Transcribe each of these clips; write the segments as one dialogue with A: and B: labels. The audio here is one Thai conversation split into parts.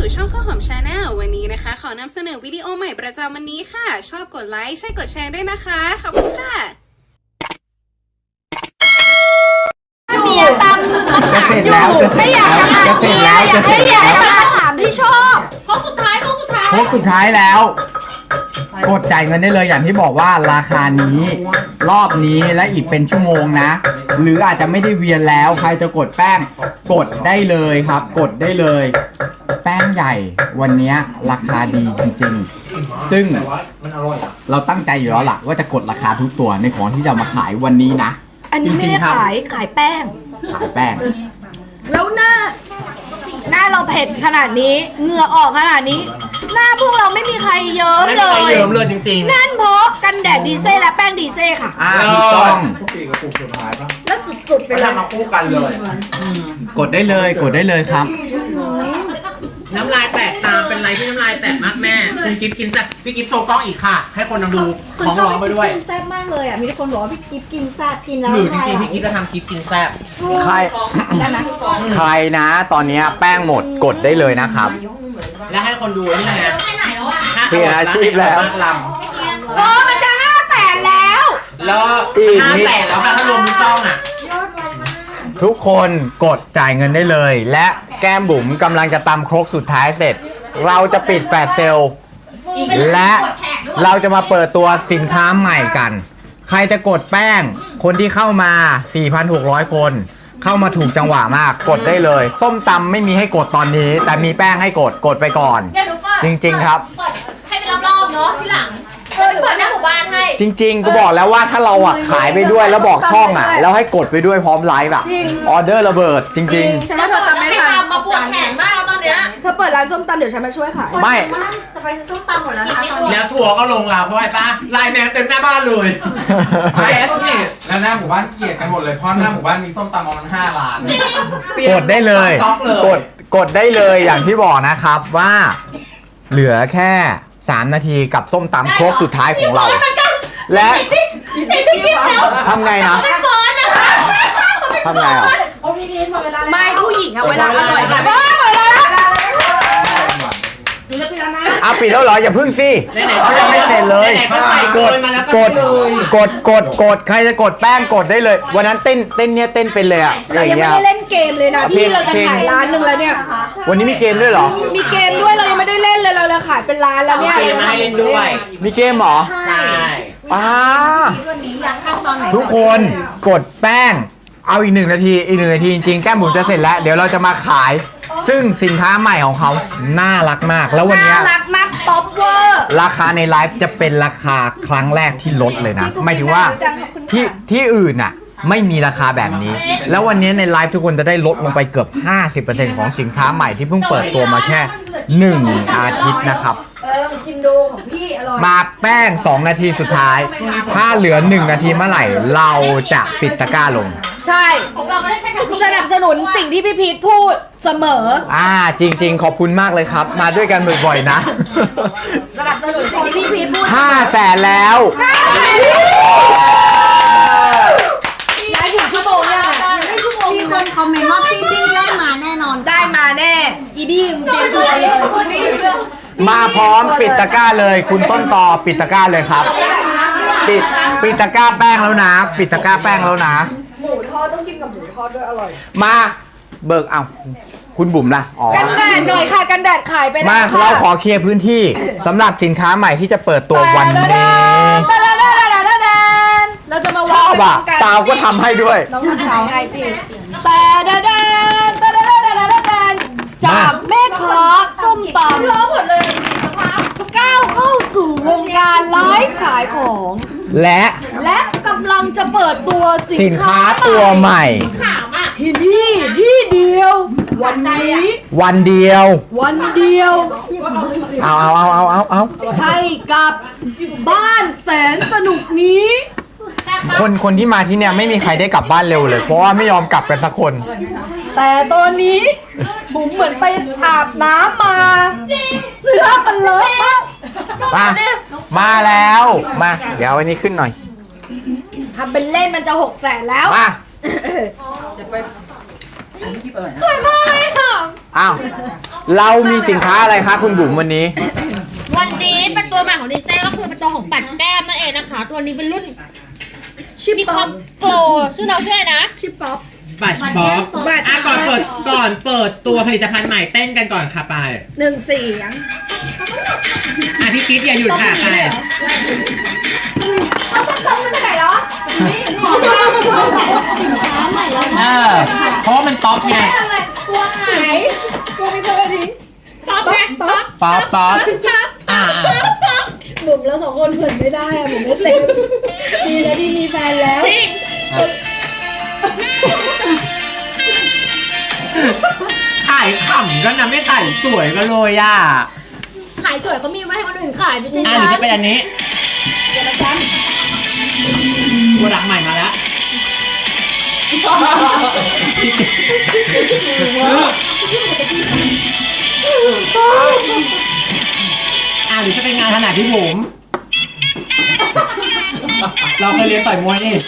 A: สู่ช่องข้าวหอมชาแนลวันนี้นะคะขอนำเสนอวิดีโอใหม่ประจำวันนี้ค่ะชอบกดไลค์ใช่กดแชร์ด้วยนะคะขอบคุณค่ะ
B: เมียตำมะขามอยู่ไม่อยากจะมาเมียอยากให้เมียมะขามที่ชอบโค้งสุดท้าย
C: แล้วกดจ่ายเงินได้เลยอย่างที่บอกว่าราคานี้รอบนี้และอีกเป็นชั่วโมงนะหรืออาจจะไม่ได้เวียนแล้วใครจะกดแป้งกดได้เลยครับกดได้เลยแป้งใหญ่วันนี้ราคาดีจริงๆซึ่งเราตั้งใจอยู่แล้วล่ะว่าจะกดราคาทุกตัวในของที่จะมาขายวันนี้นะ
B: อันนี้ไม่ได้ขายแป้งแล้วหน้าเราเผ็ดขนาดนี้เหงื่อออกขนาดนี้หน้าพวกเราไม่มีใครเยิ้มเลย
D: จริงๆ
B: นั่นเพราะกันแดดดีเซ่และแป้งดีเซ่ค่ะ
C: ถูกต้อง
B: แล้วสุดๆไปเลย
D: มาคู่กันเลย
C: กดได้เลยครับ
D: น้ำลายแตกตามเป็นไรที่น้ำลายแตกมากแม่คุณกิฟกินแต่พี่กิฟโชว์กล้องอีกค่ะให้คนดูของร้องไปด้วย
E: กินแซ่บมากเลยอ่ะมีคนบอกว่าพี่กิฟกินแซ่บกินแล้ว
D: หรือจริงๆพี่กิฟจะทำคลิปกินแซ่บ
C: ใครนะตอนนี้แป้งหมดกดได้เลยนะครับ
D: แล้วให้คนดูนี่ไง
C: เปลี่ยนอาชีพแล้ว
B: มันจะ500,000แล้ว
D: 500,000แล้วนะถ้ารวมทุกช่องอ่ะ
C: ทุกคนกดจ่ายเงินได้เลยและแก้มบุ๋มกำลังจะตำครกสุดท้ายเสร็จเราจะปิดแฟลชเซลล์และเราจะมาเปิดตัวสินค้าใหม่กันใครจะกดแป้งคนที่เข้ามา 4,600 คนเข้ามาถูกจังหวะมากกดได้เลยส้มตำไม่มีให้กดตอนนี้แต่มีแป้งให้กดไปก่อนจริงๆครับ
F: ให้เป็นรอบๆเนาะที่หลังเปิดหน้าหมู่บ้านให้
C: จริงๆก็บอกแล้วว่าถ้าเราอ่ะขายไปด้วยแล้วบอกช่องอ่ะแล้วให้กดไปด้วยพร้อมไลฟ์อ่ะออเดอร์ระเบิดจริงๆ
B: ฉันว่าเธอทำไม่ทัน
F: มาปวดแขนมากแล้วตอนเนี้ย
B: เธอเปิดร้านส้มตำเดี๋ยวฉันมาช่วยขาย
C: ไม่
E: จะไปส้มตำหมดแล้วนะคะ
D: แล้วทัวร์ก็ลงเราเพราะอะไรป้าไลน์แมนเต็มหน้าบ้านเลย
G: นี่แล้วหน้าหมู่บ้านเกลียดกันหมดเลยเพราะหน้าหมู่บ้านมีส้มตำประมาณ5 ร้าน
C: กดได้เลยกดได้เลยอย่างที่บอกนะครับว่าเหลือแค่3 นาทีกับส้มตำครกสุดท้ายของเราและทำไงนะทำไงอ่ะ
B: ไม่ผู้หญิงอะเวลาอร่อยแบบ
C: ปิดแล้วเหรออย่าพึ่งสิเขายังไม่เสร็จเลยกดใครจะกดแป้งกดได้เลยวันนั้นเต้นเป็นเลยอ่ะ
B: เรายังไม่ได้เล่นเกมเลยนะพี่เราจะขายร้านนึงแล้วเนี่ย
C: วันนี้มีเกมด้วยเหรอ
B: มีเกมด้วยเรายังไม่ได้เล่นเลยเราจะขายเป็นร้านแล้วเนี่ย
D: เกมมาให้เล่นด้วย
C: มีเกมเหรอ
D: ใช่
E: วันนี้อยากขั้นตอนไหน
C: ทุกคนกดแป้งเอาอีก1 นาทีจริงๆแก้มบุ๋มจะเสร็จแล้วเดี๋ยวเราจะมาขายซึ่งสินค้าใหม่ของเขาน่ารักมากแล้ววันนี้
B: น่ารักมากท็อปเวอร์
C: ราคาในไลฟ์จะเป็นราคาครั้งแรกที่ลดเลยนะหมายถึงว่าที่อื่นน่ะไม่มีราคาแบบนี้แล้ววันนี้ในไลฟ์ทุกคนจะได้ลดลงไปเกือบ 50% ของสินค้าใหม่ที่เพิ่งเปิดตัวมาแค่1 อาทิตย์นะครับ
B: ชิมดูของพี่อร่อย
C: มาแป้ง2 นาทีสุดท้ายถ้าเหลือ1 นาทีเมื่อไหร่เราจะปิดตะกร้าลง
B: ใช่สนับสนุนสิ่งที่พี่พีทพูดเสมอ
C: จริงๆขอบคุณมากเลยครับมาด้วยกันบ่อยๆนะ
B: สนับสนุนสิ่งที่พี่พีทพูด
C: 500,000แล้ว
B: ได้ถึงชั่วโมงยัง
E: มีคนคอมเมนต์ว่าพี่ได้มาแน่นอน
B: ได้มาแน่อีบี้มึงเตรียมตัวเลย
C: มาพร้อมปิดตะกร้าเลยคุณต้นตอปิดตะกร้าเลยครับปิดตะกร้าแป้งแล้วนะปิดตะกร้าแป้งแล้วนะ
B: หมูทอดต้องกินกับหมูทอดด้วยอร่อย
C: มาเบิกเอาคุณบุ๋มล่ะ
B: กันแดดหน่อยค่ะกันแดดขายไป
C: มาเราขอเคลียร์พื้นที่สำหรับสินค้าใหม่ที่จะเปิดตัววันนี้
B: เราจะมา
C: ชอบอ่ะสาวก็ทำให้ด้วย
B: น้องทำสาวให้พี่จากแม่ค้าส้มตำล้อหมดเลยก้าวเข้าสู่วงการไลฟ์ขายของและกำลังจะเปิดตัว
C: สินค้าตัวใหม่
B: ที่เดียววันเดียวเอาให้กับบ้านแสนสนุกนี้
C: คนที่มาที่เนี่ยไม่มีใครได้กลับบ้านเร็วเลยเพราะว่าไม่ยอมกลับกันสักคน
B: แต่ตอนนี้บุ๋มเหมือนไปอาบน้ำมาเสื้อมันเลอะ
C: มาแล้วมาเดี๋ยววันนี้ขึ้นหน่อย
B: ทำเป็นเล่นมันจะ600,000แล้ว
C: มา
F: สวยมากเลยค่ะ
C: อ้าวเรามีสินค้าอะไรคะคุณบุ๋มวันนี้
F: วันนี้เป็นตัวใหม่ของดิเซ่ก็คือเป็นตัวของปัดแก้มนั่นเองนะคะ ตัวนี้เป็นรุ่น
B: ชิป
F: มี
B: ป๊
F: ค
B: อ
F: อ
B: ป
F: มโปรชื่อน้องชื่ออะไรนะ
B: ชิปป๊อป
D: บัตรป๊อปก่อนเปิดตัวผลิตภัณฑ์ใหม่เต้นกันก่อนค่ะไป
B: 1 เสียง
D: พี่กิ๊ฟอย่าหยุดค่ะไป
B: เอาส้มๆมันจะไหนแล้ว
D: เพราะว่ามันป๊อปไง
B: ตัวไหนกูไม่เคยดี
F: ป๊อปไงป๊อป
C: ป๊อปป๊อป
B: บุ๋มแล้ว2 คนเหมือนไม่ได้อะบุ๋มไม่เต็มดีนะที่มีแฟนแล้ว
F: จริง
D: ขายขำกันนะไม่ขายสวยกันเลยอ่ะ
F: ขายสวยก็มีไว้ให้คนอื่นขายไม่ใช่
D: ห
F: ฉั
D: รือน จะเป็นอันนี้ตัวหลักใหม่มาแล้วหรือจะเป็นงานถนัดพี่บุ๋มเราเคยเรียนต่อยมวยนี่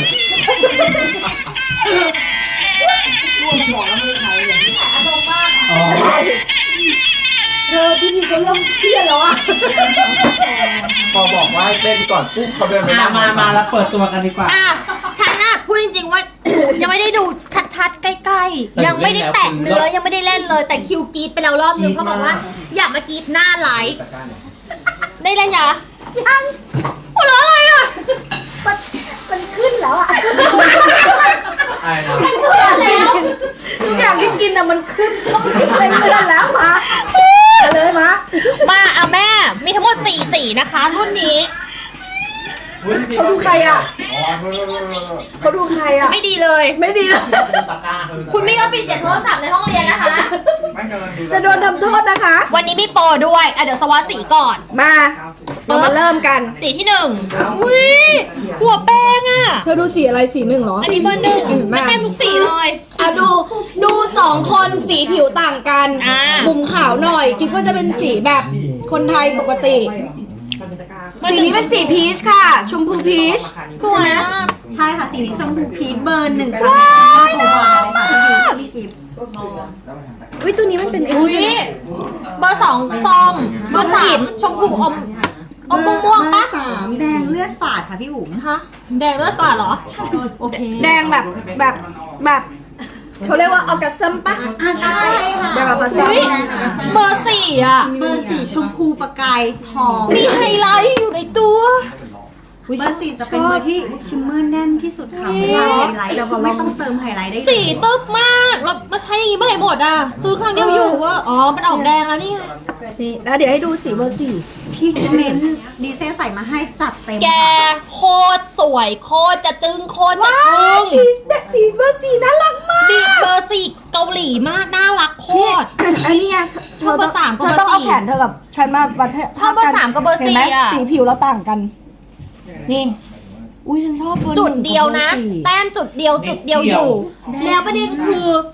B: เธอพี่พีก็เริ่มเครียดแล้วอ่ะ
G: พอบอกว่าให้เต้นก่อนปุ๊บเขาเดินไปนั่ง
D: มาแล้วเปิดตัวกันดีกว่า
F: ฉันน่ะพูดจริงๆว่า ยังไม่ได้ดูชัดๆใกล้ๆยังไม่ได้แตะเนื้อยังไม่ได้เล่นเลยแต่คิวกรีดไปแล้วรอบนึงเพราะบอกว่าอยากมากรีดหน้าไลฟ์ได้เล่นยังหัวเราะอะไรอ่ะ
B: มันขึ้นแล้วอ่ะ
G: ไอ้นะ
F: แล้ว
B: ทุกอย่างที่กินอ่ะมันขึ้นต้องสิเป็นเดือนแล้วมาเลยมา
F: มาเอาแม่มีทั้งหมด4สีนะคะรุ่นนี้
B: เขาดูใครอ่ะเขาดูใครอ่ะ
F: ไม่ดีเลย
B: ไม่ดีเลย
F: คุณไม่ยอมปิดเสียงโทรศัพท์ในห้องเรียนนะคะ
B: จะโดนทำโทษนะคะ
F: วันนี้มีโปรด้วยเดี๋ยวสวัสดสีก่อน
B: มาเรามาเริ่มกัน
F: สีที่1อุ้ยหัวแป้งอ่ะ
B: เธอดูสีอะไรสี1เหรอ
F: อันนี้เบอร์ 1
B: มา
F: เต็มทุกสีเลย
B: อ่ะดู2 คนสีผิวต่างกัน
F: อ่า
B: บุ๋มขาวหน่อยกิ๊บก็จะเป็นสีแบบคนไทยปกติ สีนี้เป็นสีพีชค่ะ ชมพูพีช
F: สวยมาก
E: ใช่ค่ะสีนี้ชมพูพีชเบอร์ 1ค่ะของเราค่ะพี่กิฟต์
B: อุ้ยตัวนี้มันเป็น
F: อุ้ยเบอร์ 2ส้มเบอร์ 3ชมพูอมม่วงๆปะ
E: เบอร์ 3แดงเลือดฝาดค่ะพี่บุ๋ม
F: ฮะแดงเลือดฝาดเหรอโอเค
B: แดงแบบเขาเรียกว่าออกัสซัมปะ
E: ใช่ค่ะ
B: แดงออกัสซัม
F: อุ๊ย เบอร์ 4อ่ะ
E: เบอร์ 4ชมพูประกายทอง
F: มีไฮไลท์อยู่ในตัว
E: เบอร์ 4จะเป็นเบอร์ที่ชิมเมอร์แน่นที่สุดค่ะไม่ต้องไฮไลท์ไม่ต้องเติมไฮไลท์ได้เลย
F: สีตึ๊บมากเรามาใช้อย่างนี้เมื่อไหร่หมดอ่ะซื้อครั้งเดียวอยู่ว่าอ๋อมันออกแดงแล้วนี่ไง
B: นี่แล้วเดี๋ยวให้ดูสีเบอร์
E: พี่เมนต์ดีเซลใส่มาให้จัดเต็ม
F: แก
E: ค่ะ
F: โคตรสวยโคตรจะจึงโคตรจะ
B: ว้า
F: ทึ่
B: ว
F: ง
B: สีเบอร์ 4น่ารักมาก
F: บิ๊กเบอร์ 4เกาหลีมากน่ารักโคตร
B: อันนี้ไง
F: ชอบเบอร์ 3กับ
B: เธ
F: เบอร์
B: อต้องเอา
F: 4
B: แขนเธอกับฉันมาประเทศ
F: ชอบเบอร์ 3กับเบอร์
B: ห็นไหม
F: 4อ่ะ
B: สีผิวเราต่างกัน นี่ อุ้ยฉันชอบเบอร์
F: จุดเดียวนะ
B: 1กับเบอร์
F: แต้มจุดเดียวอยู่ แล้วประเด็นคือ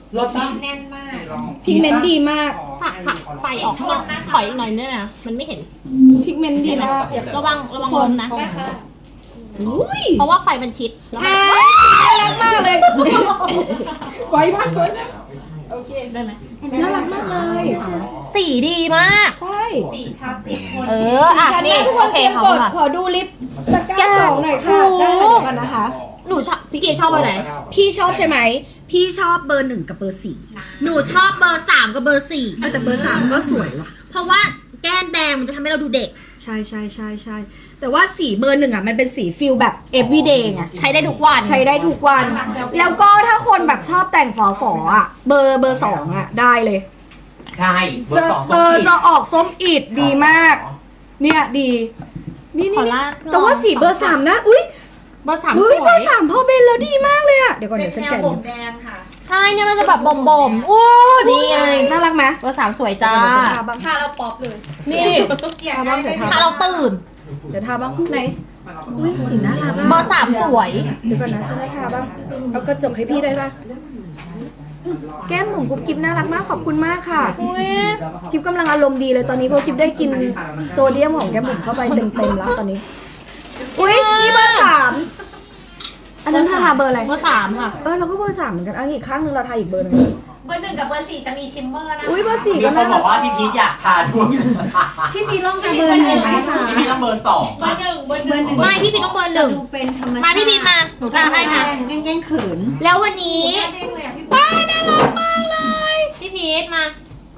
B: 4พิกเมนต์ดีมาก
F: ผักใส่ออกข้างนอกถอยอีกหน่อยเนี่ยนะมันไม่เห็น
B: พิกเมนต์ดีมาก
F: ระวังลมนะ
B: อุ้ย
F: เพราะว่าไฟมันชิดแล้วมัน
B: น่ารักมากเลยไฟพักเลย
F: ได้ไหม
B: น่ารักมากเลย
F: สีดีมาก
B: ใช่
F: อ่ะนี่
B: ทุกค
F: โอน เค
B: เตรียม
F: เขา
B: กด
F: ค่ะ
B: ขอดูลิปตะกร้า2หน่อยค่ะ ได้ค่ะเดี๋ยวก่อนนะคะ
F: หนูชอบพี่เกดชอบเบอร์ไหน
B: พี่ชอบใช่ไหม พี่ชอบเบอร์ 1 กับเบอร์
F: หนูชอบเบอร์ 3 กับเบอร์
B: 4แต่เบอร์ 3 ก็สวยว่ะ
F: 4 เพราะว่าแก้มแดงมันจะทำให้เราดูเด็ก
B: ใช่ใช่ใช่ใช่แต่ว่าสีเบอร์ 1อ่ะมันเป็นสีฟิลแบบ everyday ไง
F: ใช้ได้ทุกวัน
B: ใช้ได้ทุกวัน แล้วก็ถ้าคนแบบชอบแต่งฝอๆอ่ะ เบอร์ 2อ่ะได้เลย
D: ใช่เบอ
B: จะ
D: ร์ 2
B: จะออกส้มอิดดีมาก เนี่ยดี นี่
F: ขอ
B: นี่
F: ลาด
B: แต่ว่าสีเบอร์ 3นะอุ้ย
F: เบอร์ 3 ส
B: เฮ้ยเบ
F: ว
B: อย ร์ 3พอเบนแล้วดีมากเลยอ่ะเดี๋ยวก่อนเดี๋ยวฉันแกะดู
F: ใช่เนี่ยมันจะแบบบ่มๆอู้นี่ไง
B: น่ารักไหม
F: เบอร์ 3 สวยจ้า
B: เดี๋ยวฉันทาบ้าง
F: นี่
B: ทาบ้างเดี๋ยวทา
F: ถ้าเราตื่น
B: เดี๋ยวทาบ้างไหนอุ้ยสีน่ารัก
F: เบอร์ 3 สวย
B: เดี๋ยวก่อนนะฉันจะทาบ้างเอากระจกให้พี่ได้ป่ะแก้มหมุนกุ๊บกิ๊บน่ารักมากขอบคุณมากค่ะ
F: อุ้ย
B: กิ๊บกำลังอารมณ์ดีเลยตอนนี้เพราะกิ๊บได้กินโซเดียมของแก้มหมุนเข้าไปเต็มๆแล้วตอนนี้อุ้ยนี่เบอร์ 3อันนั้นทาเบอร์อะไร
F: เบอร์ 3 ค่ะ
B: เราก็เบอร์ 3เหมือนกันอันนี้อีกข้างนึงเราทาอีกเบอร์หนึง
F: เบอร์ 1กับเบอร์ 4จะมีชิมเมอร์นะคะ
B: อุ้ยเบอร์ 4
D: มี
B: ก็
D: คน
B: น่า
D: บอกว่าพี่พีทอยากทาด้วย
E: พี่พีลองกับเบอร์หนึ่งไหมคะ
D: พี่พีทต้องเบอร์ 2
F: เบอร์ 1 เบอร์ 1ไม่พี่พีต้องเบอร์
E: จะดูเป็นธรรมชาติ
F: 1มาพี่พีมาหนูทาให้ค่ะ
E: แกล้งเขิน
F: แล้ววันนี้ป้าน่ารักมากเลยพี่พีทมา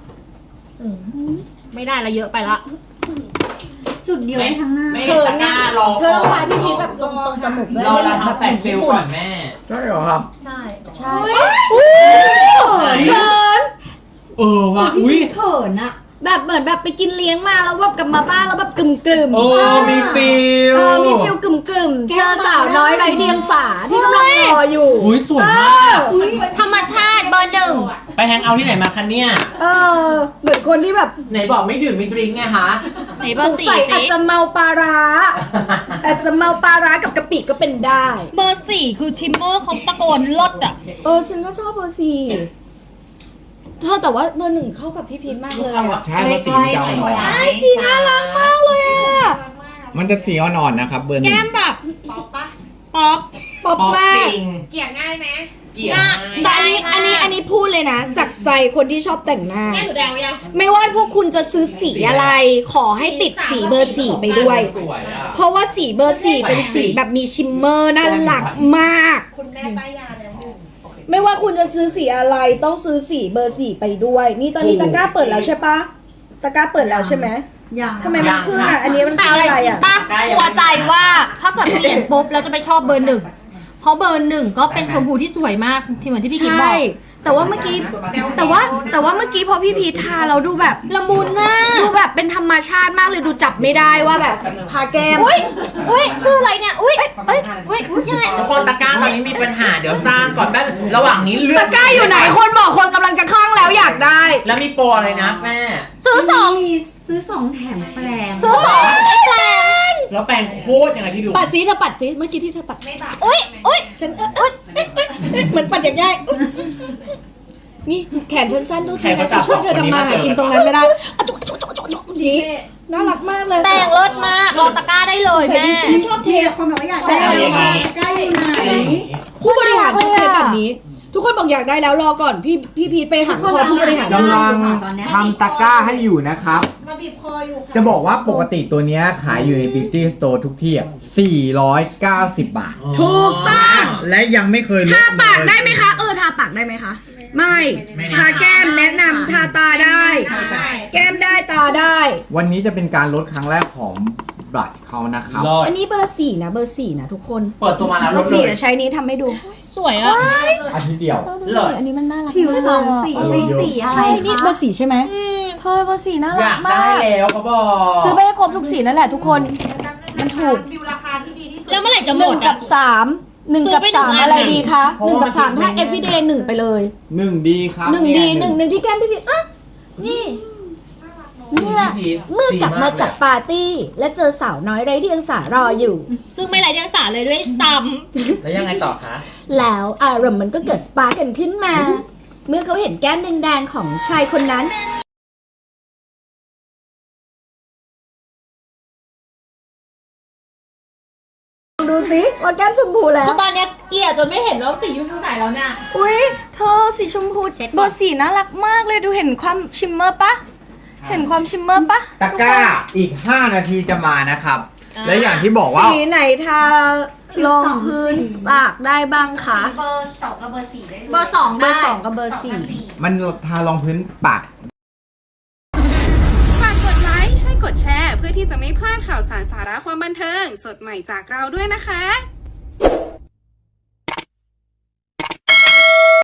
F: ไม่ได้ละเยอะไปละ
E: จุดเดียวได้ทั้งหน้า
D: ไม่เห็นตะกร้ารอ
B: เธอต้องทาพี่พีทแบบตรงจมูกด้วย
D: รอเรา
B: แบบ
D: ทำแฟนเซลลก่อนแม่
C: ใช่เหรอครับ
F: ใช่
B: ใช่
D: เขินว่ะอุ้ย
E: เขินอะ
B: แบบเหมือนแบบไปกินเลี้ยงมาแล้วแบบกลับมาบ้านแล้วแบบกึ่ม
C: มีฟิล
B: มีฟิลกึ่มเจอสาวน้อยไร้เดียงสาที่กำลังรออยู่
D: อุ้ยสวยมาก
F: ธรรมชาติเบอร์
D: ไปแฮงเอาท์ที่ไหนมาคะเนี่ย
B: เหมือนคนที่แบบ
D: ไหนบอกไม่ดื่มไม่ดริงก์ไงคะ
F: 1ไหนเบ
B: ส
F: อร์
B: งสัย
F: 4
B: อาจจะเมาปลาร้า อาจจะเมาปลาร้ากับกะปิก็เป็นได้
F: เบอร์ 4คือชิมเมอร์เขาตะโกนลดอ่ะ
B: ฉันก็ชอบเบอร์ 4เธอแต่ว่าเบอร์ 1เข้ากับพี่พีทมากเลยอะ
C: ใช่เบอร์สีเก่าหน่อย
B: ไอ้สีน่ารักมากเลยอะ
C: มันจะสีอ่อนๆนะครับเบอร์ 1
F: แก้มแบบป๊อปปะป๊อป
B: ป๊อปมาก
D: จริง
F: เกลี่ยง่ายไหม
D: เกลี่ย
B: แต่อันนี้พูดเลยนะ จากใจคนที่ชอบแต่งหน้า
F: แก้มหนูแดงไว้ยัง
B: ไม่ว่าพวกคุณจะซื้อสีอะไร ขอให้ติดสีเบอร์ 4 ไปด้วย
D: สวยอ่ะ
B: เพราะว่าสีเบอร์ 4 เป็นสีแบบมีชิมเมอร์น่ารักมาก
F: คุณแม่ป้ายยาแล้ว
B: ไม่ว่าคุณจะซื้อสีอะไรต้องซื้อสีเบอร์ 4 ไปด้วย นี่ตอนนี้ตะกร้าเปิดแล้วใช่ปะตะกร้าเปิดแล้วใช่ไหม
E: อย่าง
B: ทำไมมันขึ้นอ่ะ อันนี้มัน
F: แต่
B: คือ
F: อะไร
B: อะไร
F: จริง
B: อ่ะ
F: ปะกลัวใจว่าถ้าเกิดเปลี่ยนปุ๊บแล้วจะไปชอบเบอร์ 1เพราะเบอร์ 1ก็เป็นชมพูที่สวยมากที่เหมือนที่พี่กิ๊บบอ
B: ใช่
F: ก
B: แต่ว่าเมื่อกี้แต่ว่าเมื่อกี้พอพี่พีททาเราดูแบบ
F: ละมุนมาก
B: ดูแบบเป็นธรรมชาติมากเลยดูจับไม่ได้ว่าแบบทาแก้ม
F: อุ้ยชื่ออะไรเนี่ยอุ้ยยังไง
D: ทุกคนตะกร้าตอนนี้มีปัญหาเดี๋ยวสร้างก่อนแป๊บระหว่างนี้เลือ
B: ตะ
D: ก
B: กร้าอยู่ไหนคนบอกคนกำลังจะคลั่งแล้วอยากได้
D: แล้วมีโปรอะไรนะแม่
F: ซื้อ 2
E: มีซื้อ 2 แถมแปลง
F: ซื้อ2ได้แปลง
D: แล้วแปลงโคตรยังไงพี่ดู
B: ปัดซิเธอปัดซิเมื่อกี้ที่เธอปัด
F: อุ้ย
B: ฉันเหมือนปัดอย่างง่ายนี่แขนฉันสั้นทุกทีนะฉันช่วยเธอทำมาหากินตรงนั้นไม่ได้อะจุกนี้น่ารักมากเลย
F: แปลงเลิศมากรอตะกร้าได้เลยแม่
E: ไม่ชอบเทความแบบว่าอยากได้อะไรมาใกล้อยู่ไหน
B: ผู้บริหารชอบเทแบบนี้ ทุกคนบอกอยากได้แล้วรอก่อนพี่พีทไปหักคอผู้บริหาร
C: กำลังทำตะกร้าให้อยู่นะครับ
F: มาบีบคออยู่
C: จะบอกว่าปกติตัวเนี้ยขายอยู่ใน Beauty Store ทุกที่490 บาท
B: ถูกต้อง
C: และยังไม่เคยลด
B: ทาปาก
C: เลย
B: ได้ไหมคะทาปากได้ไหมคะไม่ทาแก้มแนะนำทาตาได้ แก้มได้ตาได้
C: วันนี้จะเป็นการลดครั้งแรกของบลัชเขานะครับ
D: รอด
B: อันนี้เบอร์ 4นะเบอร์ 4นะทุกคน
D: เปิดตัวมาแล้ว
B: เบ
D: ล
B: อ
D: ด
B: ร์
D: เล
B: 4
D: ย
B: ใช้นี้ทำให้ดู
F: สวยอ่ะ
C: อาทิตย์เดียว
D: เลิศ
B: อันนี้มันน่ารัก
E: ผิว
B: ใช่
E: สอง
B: ไหม
E: สีใช้สีอะไร
B: ใช่นี่เบอ
E: คะ
B: ร์ 4 ใช่ไหมเธอเบอร์ 4 น่า
D: อ
B: รั
D: ยาก ก
B: มา
D: ได้
B: ก
D: แล้วเขาบอก
B: ซื้อไปให้ครบทุกสีนั่นแหละทุกคนมันถูก
F: แล้วเมื่อไหร่จะหมด
B: 1 กับ 3 1 กับ 3 อะไรดีคะ1 กับ 3 ถ้า everyday 1 ไปเลย
C: 1 ดีครับ
B: 1 ดี1ที่แก้มพี่พีนี่เมื่อกลับมาจากปาร์ตี้และเจอสาวน้อยไร้เดียงสารออยู่
F: ซึ่งไม่ไรเดียงสาเลยด้วยซ้
D: แล้วยังไงต่อคะ
B: แล้วอารมณ์มันก็เกิดสปาร์กกันขึ้นมา เมื่อเขาเห็นแก้มแดงๆของชายคนนั้น ดูสิว่าแก้มชมพูแล้
F: ำ
B: ว
F: คือตอนเนี้ยเกลี่ยจนไม่เห็นว่าสียุ่งไหนแล้วเนี่ย
B: อุ้ยเธอสีชมพูเบอร์ 4 น่ารักมากเลยดูเห็นความชิมเมอร์ปะเห็นความชิมเมอร์ปะ
C: ตะกร้าอีก 5 นาทีจะมานะครับ และอย่างที่บอกว่า
B: สีไหนทารองพื้นปากได้บ้างคะ
F: เบอร์ 2 กับเบอร์ 4 ได้เบอร์ 2
B: เบอ
F: ได้
B: ร์ 2 กับเบอร์ 4
C: มันทารองพื้นปาก
A: ฝากกดไลค์ใช่กดแชร์เพื่อที่จะไม่พลาดข่าวสารสาระความบันเทิง สดใหม่จากเราด้วยนะคะ